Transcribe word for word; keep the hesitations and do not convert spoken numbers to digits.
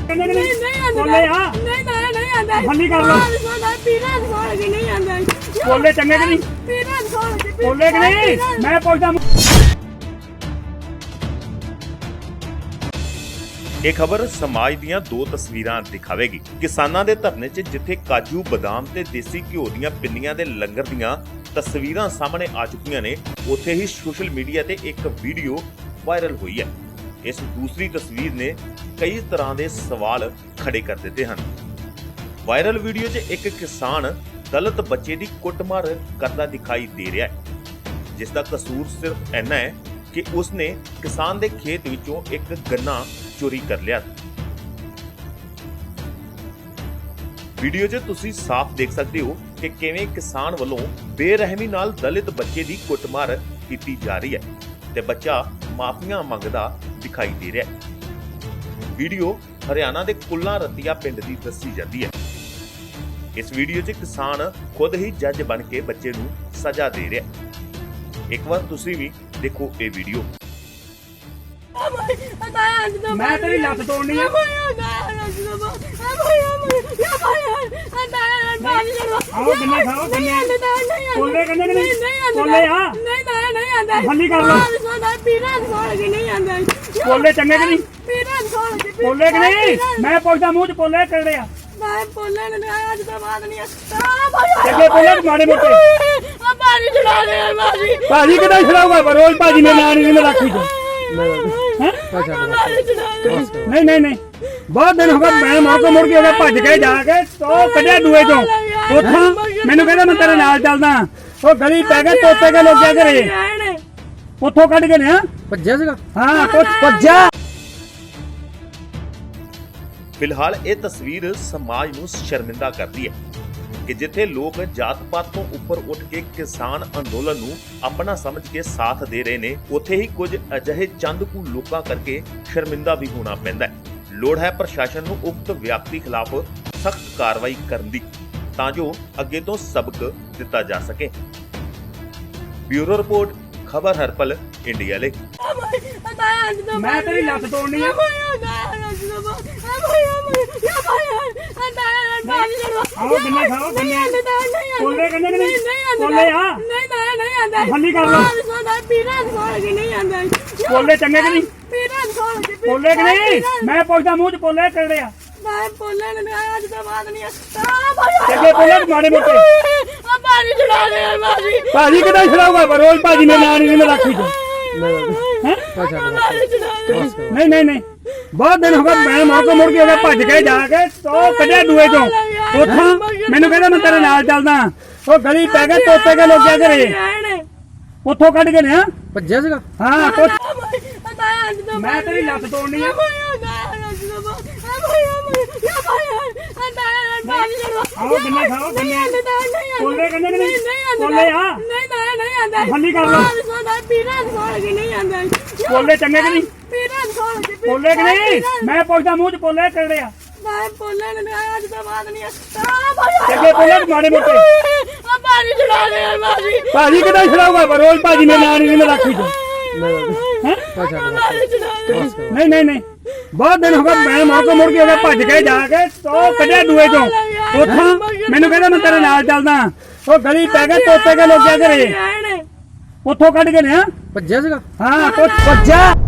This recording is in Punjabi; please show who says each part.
Speaker 1: ਨਹੀਂ ਨਹੀਂ ਆਂਦਾ
Speaker 2: ਬੋਲੇ ਆ
Speaker 1: ਨਹੀਂ ਨਹੀਂ ਨਹੀਂ ਆਂਦਾ
Speaker 2: ਬੰਦੀ ਕਰ ਲਓ
Speaker 1: ਪੀਰਾਂ ਦੀ ਸੋਹਣ ਜੀ ਨਹੀਂ ਆਂਦਾ
Speaker 2: ਬੋਲੇ ਚੰਗੇ ਕਿ ਨਹੀਂ
Speaker 1: ਪੀਰਾਂ ਦੀ ਸੋਹਣ ਜੀ
Speaker 2: ਬੋਲੇ ਕਿ ਨਹੀਂ ਮੈਂ ਪੁੱਛਦਾ
Speaker 3: ਇਹ ਖਬਰ ਸਮਾਜ ਦੀਆਂ ਦੋ ਤਸਵੀਰਾਂ ਦਿਖਾਵੇਗੀ। ਕਿਸਾਨਾਂ ਦੇ ਧਰਨੇ 'ਚ ਜਿੱਥੇ ਕਾਜੂ ਬਦਾਮ ਤੇ ਦੇਸੀ ਘਿਓ ਦੀਆਂ ਪਿੰਨੀਆਂ ਦੇ ਲੰਗਰ ਦੀਆਂ ਤਸਵੀਰਾਂ ਸਾਹਮਣੇ ਆ ਚੁੱਕੀਆਂ ਨੇ, ਉੱਥੇ ਹੀ ਸੋਸ਼ਲ ਮੀਡੀਆ ਤੇ ਇੱਕ ਵੀਡੀਓ ਵਾਇਰਲ ਹੋਈ ਹੈ। ਇਸ ਦੂਸਰੀ ਤਸਵੀਰ ਨੇ ਕਈ ਤਰ੍ਹਾਂ ਦੇ ਸਵਾਲ ਖੜੇ ਕਰ ਦਿੱਤੇ ਹਨ। ਵਾਇਰਲ ਵੀਡੀਓ 'ਚ ਇੱਕ ਕਿਸਾਨ ਦਲਿਤ ਬੱਚੇ ਦੀ ਕੁੱਟਮਾਰ ਕਰਦਾ ਦਿਖਾਈ ਦੇ ਰਿਹਾ ਹੈ, ਜਿਸ ਦਾ ਕਸੂਰ ਸਿਰਫ ਇੰਨਾ ਹੈ ਕਿ ਉਸਨੇ ਕਿਸਾਨ ਦੇ ਖੇਤ ਵਿੱਚੋਂ ਇੱਕ ਗੰਨਾ ਚੋਰੀ ਕਰ ਲਿਆ। ਵੀਡੀਓ 'ਚ ਤੁਸੀਂ ਸਾਫ਼ ਦੇਖ ਸਕਦੇ ਹੋ ਕਿ ਕਿਵੇਂ ਕਿਸਾਨ ਵੱਲੋਂ ਬੇਰਹਿਮੀ ਨਾਲ ਦਲਿਤ ਬੱਚੇ ਦੀ ਕੁੱਟਮਾਰ ਕੀਤੀ ਜਾ ਰਹੀ ਹੈ ਤੇ ਬੱਚਾ ਮਾਫੀਆਂ ਮੰਗਦਾ ਦਿਖਾਈ ਦੇ ਰਿਹਾ ਹੈ। ਵੀਡੀਓ ਹਰਿਆਣਾ ਦੇ ਕੁੱਲਾ ਰਤੀਆ ਪਿੰਡ ਦੀ ਦੱਸੀ ਜਾਂਦੀ ਹੈ। ਇਸ ਵੀਡੀਓ 'ਚ ਕਿਸਾਨ ਖੁਦ ਹੀ ਜੱਜ ਬਣ ਕੇ ਬੱਚੇ ਨੂੰ ਸਜ਼ਾ ਦੇ ਰਿਹਾ ਹੈ। ਇੱਕ ਵਾਰ ਤੁਸੀਂ ਵੀ ਦੇਖੋ ਇਹ ਵੀਡੀਓ।
Speaker 2: ਮੈਂ ਤੇਰੀ ਲੱਤ ਤੋੜਨੀ ਆ ਆਓ ਗੰਨਾ ਖਾਓ ਗੰਨੇ ਬੋਲੇ ਗੰਨੇ ਕਿ ਨਹੀਂ ਬੋਲੇ ਆ
Speaker 1: ਨਹੀਂ ਨਹੀਂ ਨਹੀਂ ਆਂਦਾ
Speaker 2: ਬੰਦੀ ਕਰ ਲਓ
Speaker 1: ਪੀਰਾਂ ਦੀ ਸੋਹਣ ਜੀ ਨਹੀਂ ਆਂਦਾ
Speaker 2: ਬੋਲੇ ਚੰਗੇ ਕਿ ਨਹੀਂ
Speaker 1: ਪੀਰਾਂ ਦੀ ਸੋਹਣ ਜੀ
Speaker 2: ਬੋਲੇ ਕਿ ਨਹੀਂ ਮੈਂ ਪੁੱਛਦਾ ਮੂੰਹ 'ਚ ਬੋਲੇ ਕਿਹੜੇ ਆ
Speaker 1: ਮੈਂ ਬੋਲਣ ਨਹੀਂ ਅੱਜ ਤੋਂ ਬਾਅਦ ਨਹੀਂ ਆ ਭਾਈ
Speaker 2: ਚੰਗੇ ਬੋਲੇ ਮਾੜੇ ਮੋਟੇ
Speaker 1: ਆ ਬਾਰੀ ਚੜਾ ਦੇ ਮਾਰੀ
Speaker 2: ਭਾਜੀ ਕਿਦਾਂ ਛੜਾਊਗਾ ਪਰ ਰੋਜ਼ ਭਾਜੀ ਮੇਰੇ ਨਾਲ ਨਹੀਂ ਰੱਖੀ ਤੂੰ ਨਹੀਂ ਨਹੀਂ ਨਹੀਂ ਬਹੁਤ ਦਿਨ ਹੋ ਗਏ ਮੈਂ ਮੌਕੇ ਮੁੜ ਕੇ ਉਹਦਾ ਭੱਜ ਕੇ ਜਾ ਕੇ ਉਹ ਕੱਢਿਆ ਦੂਏ ਚੋਂ ਉੱਥੋਂ ਮੈਨੂੰ ਕਹਿੰਦਾ ਮੈਂ ਤੇਰੇ ਨਾਲ ਚੱਲਦਾ ਉਹ ਗਲੀ ਪੈ ਗਿਆ ਤੋਤੇ ਕੇ ਲੋਕਿਆ ਘਰੇ ਉੱਥੋਂ ਕੱਢ ਕੇ ਲਿਆ
Speaker 4: ਭੱਜਿਆ ਸੀਗਾ
Speaker 2: ਹਾਂ ਕੁਝ ਭੱਜਿਆ।
Speaker 3: ਫਿਲਹਾਲ ਇਹ ਤਸਵੀਰ ਸਮਾਜ ਨੂੰ ਸ਼ਰਮਿੰਦਾ ਕਰਦੀ ਹੈ ਕਿ ਜਿੱਥੇ ਲੋਕ ਜਾਤ-ਪਾਤ ਤੋਂ ਉੱਪਰ ਉੱਠ ਕੇ ਕਿਸਾਨ ਅੰਦੋਲਨ ਨੂੰ ਆਪਣਾ ਸਮਝ ਕੇ ਸਾਥ ਦੇ ਰਹੇ ਨੇ, ਉੱਥੇ ਹੀ ਕੁਝ ਅਜਿਹੇ ਚੰਦ ਕੁ ਲੋਕਾਂ ਕਰਕੇ ਸ਼ਰਮਿੰਦਾ ਵੀ ਹੋਣਾ ਪੈਂਦਾ ਹੈ। ਲੋੜ ਹੈ ਪ੍ਰਸ਼ਾਸਨ ਨੂੰ ਉਕਤ ਵਿਅਕਤੀ ਖਿਲਾਫ ਸਖਤ ਕਾਰਵਾਈ ਕਰਨ ਦੀ, ਤਾਂ ਜੋ ਅੱਗੇ ਤੋਂ ਸਬਕ ਦਿੱਤਾ ਜਾ ਸਕੇ। ਬਿਊਰੋ ਰਿਪੋਰਟ, ਖਬਰ ਹਰਪਲ, ਇੰਡੀਆ ਲਈ।
Speaker 2: ਮੈਂ ਤੇਰੀ ਲੱਤ ਤੋੜਨੀ ਆ ਆਓ ਗੰਨੇ ਖਾਓ ਗੰਨੇ ਬੋਲੇ ਗੰਨੇ ਕਿ ਨਹੀਂ ਬੋਲੇ ਆ
Speaker 1: ਨਹੀਂ ਨਹੀਂ ਨਹੀਂ ਆਂਦਾ
Speaker 2: ਬੰਦੀ ਕਰ ਲਓ
Speaker 1: ਪੀਰਾਂ ਦੀ ਸੋਹਣ ਜੀ ਨਹੀਂ ਆਂਦਾ
Speaker 2: ਬੋਲੇ ਚੰਗੇ ਕਿ ਨਹੀਂ
Speaker 1: ਪੀਰਾਂ ਦੀ ਸੋਹਣ ਜੀ
Speaker 2: ਬੋਲੇ ਕਿ ਨਹੀਂ ਮੈਂ ਪੁੱਛਦਾ ਮੂੰਹ 'ਚ ਬੋਲੇ ਕਿਹੜੇ ਆ
Speaker 1: ਮੈਂ ਬੋਲਣ ਨਹੀਂ ਅੱਜ ਤੋਂ ਬਾਅਦ ਨਹੀਂ ਆ ਭਾਈ
Speaker 2: ਚੰਗੇ ਬੋਲੇ ਮਾੜੇ ਮੋਟੇ
Speaker 1: ਆ ਬਾਰੀ ਚੜਾ ਦੇ ਮਾਰੀ
Speaker 2: ਭਾਜੀ ਕਿਦਾਂ ਛੜਾਊਗਾ ਪਰ ਰੋਜ਼ ਭਾਜੀ ਮੇਰੇ ਨਾਲ ਨਹੀਂ ਰੱਖੀ ਤੂੰ ਨਹੀਂ ਨਹੀਂ ਨਹੀਂ ਬਹੁਤ ਦਿਨ ਹੋ ਗਏ ਮੈਂ ਮੌਕੇ ਮੁੜ ਕੇ ਉਹਦਾ ਭੱਜ ਕੇ ਜਾ ਕੇ ਉਹ ਕੱਢਿਆ ਦੂਏ ਚੋਂ ਉੱਥੋਂ ਮੈਨੂੰ ਕਹਿੰਦਾ ਮੈਂ ਤੇਰੇ ਨਾਲ ਚੱਲਦਾ ਉਹ ਗਲੀ ਪੈ ਗਿਆ ਤੋਤੇ ਕੇ ਲੋਕਿਆ ਘਰੇ ਉੱਥੋਂ ਕੱਢ ਕੇ ਲਿਆ
Speaker 4: ਭੱਜਿਆ ਸੀਗਾ
Speaker 2: ਹਾਂ ਕੁਝ ਮੈਂ ਤੇਰੀ ਲੱਤ ਤੋੜਨੀ ਆ ਆਓ ਗੰਨੇ ਖਾਓ ਗੰਨੇ ਬੋਲੇ ਗੰਨੇ ਕਿ ਨਹੀਂ ਬੋਲੇ ਆ
Speaker 1: ਨਹੀਂ ਨਹੀਂ ਨਹੀਂ ਆਂਦਾ
Speaker 2: ਬੰਦੀ ਕਰ ਲਓ
Speaker 1: ਪੀਰਾਂ ਦੀ ਸੋਹਣ ਜੀ ਨਹੀਂ ਆਂਦਾ
Speaker 2: ਬੋਲੇ ਚੰਗੇ ਕਿ ਨਹੀਂ
Speaker 1: ਪੀਰਾਂ ਦੀ ਸੋਹਣ ਜੀ
Speaker 2: ਬੋਲੇ ਕਿ ਨਹੀਂ ਮੈਂ ਪੁੱਛਦਾ ਮੂੰਹ 'ਚ ਬੋਲੇ ਕਿਹੜੇ ਆ
Speaker 1: ਮੈਂ ਬੋਲਣ ਨਹੀਂ ਅੱਜ ਤੋਂ ਬਾਅਦ ਨਹੀਂ ਆ ਭਾਈ
Speaker 2: ਚੰਗੇ ਬੋਲੇ ਮਾੜੇ ਮੋਟੇ
Speaker 1: ਆ ਬਾਰੀ ਚੜਾ ਦੇ ਮਾਰੀ
Speaker 2: ਭਾਜੀ ਕਿਦਾਂ ਛੜਾਊਗਾ ਪਰ ਰੋਜ਼ ਭਾਜੀ ਮੇਰੇ ਨਾਲ ਨਹੀਂ ਰੱਖੀ ਤੂੰ ਨਹੀਂ ਨਹੀਂ ਨਹੀਂ ਬਹੁਤ ਦਿਨ ਹੋ ਗਏ ਮੈਂ ਮੌਕੇ ਮੁੜ ਕੇ ਉਹਦਾ ਭੱਜ ਕੇ ਜਾ ਕੇ ਉਹ ਕੱਢਿਆ ਦੂਏ ਚੋਂ ਉੱਥੋਂ ਮੈਨੂੰ ਕਹਿੰਦਾ ਮੈਂ ਤੇਰੇ ਨਾਲ ਚੱਲਦਾ ਉਹ ਗਲੀ ਪੈ ਗਿਆ ਤੋਤੇ ਕੇ ਲੋਕਿਆ ਘਰੇ ਉੱਥੋਂ ਕੱਢ ਕੇ ਲਿਆ
Speaker 4: ਭੱਜਿਆ ਸੀਗਾ
Speaker 2: ਹਾਂ ਕੁਝ ਭੱਜਿਆ।